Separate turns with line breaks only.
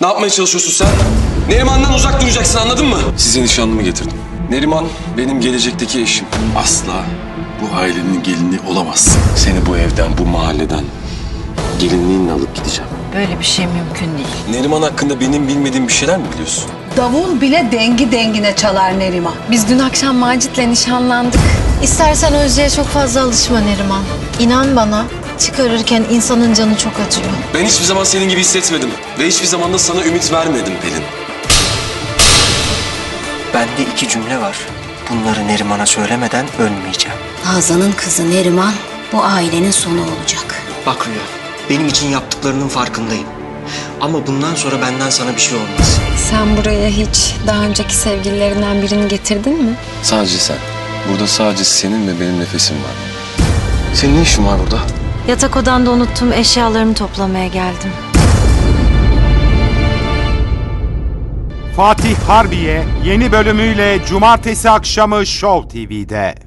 Ne yapmaya çalışıyorsun sen? Neriman'dan uzak duracaksın, anladın mı? Size nişanlımı getirdim. Neriman benim gelecekteki eşim. Asla bu ailenin gelini olamazsın. Seni bu evden, bu mahalleden gelinliğinle alıp gideceğim.
Böyle bir şey mümkün değil.
Neriman hakkında benim bilmediğim bir şeyler mi biliyorsun?
Davul bile dengi dengine çalar Neriman.
Biz dün akşam Macit'le nişanlandık. İstersen Özce'ye çok fazla alışma Neriman. İnan bana, çıkarırken insanın canı çok acıyor.
Ben hiçbir zaman senin gibi hissetmedim. Ve hiçbir zaman da sana ümit vermedim Pelin.
Bende 2 cümle var. Bunları Neriman'a söylemeden ölmeyeceğim.
Hazan'ın kızı Neriman bu ailenin sonu olacak.
Bak Rüya, benim için yaptıklarının farkındayım. Ama bundan sonra benden sana bir şey olmaz.
Sen buraya hiç daha önceki sevgililerinden birini getirdin mi?
Sadece sen. Burada sadece senin ve benim nefesim var. Senin ne işin var burada?
Yatak odanda unuttuğum eşyalarımı toplamaya geldim.
Fatih Harbiye yeni bölümüyle cumartesi akşamı Show TV'de.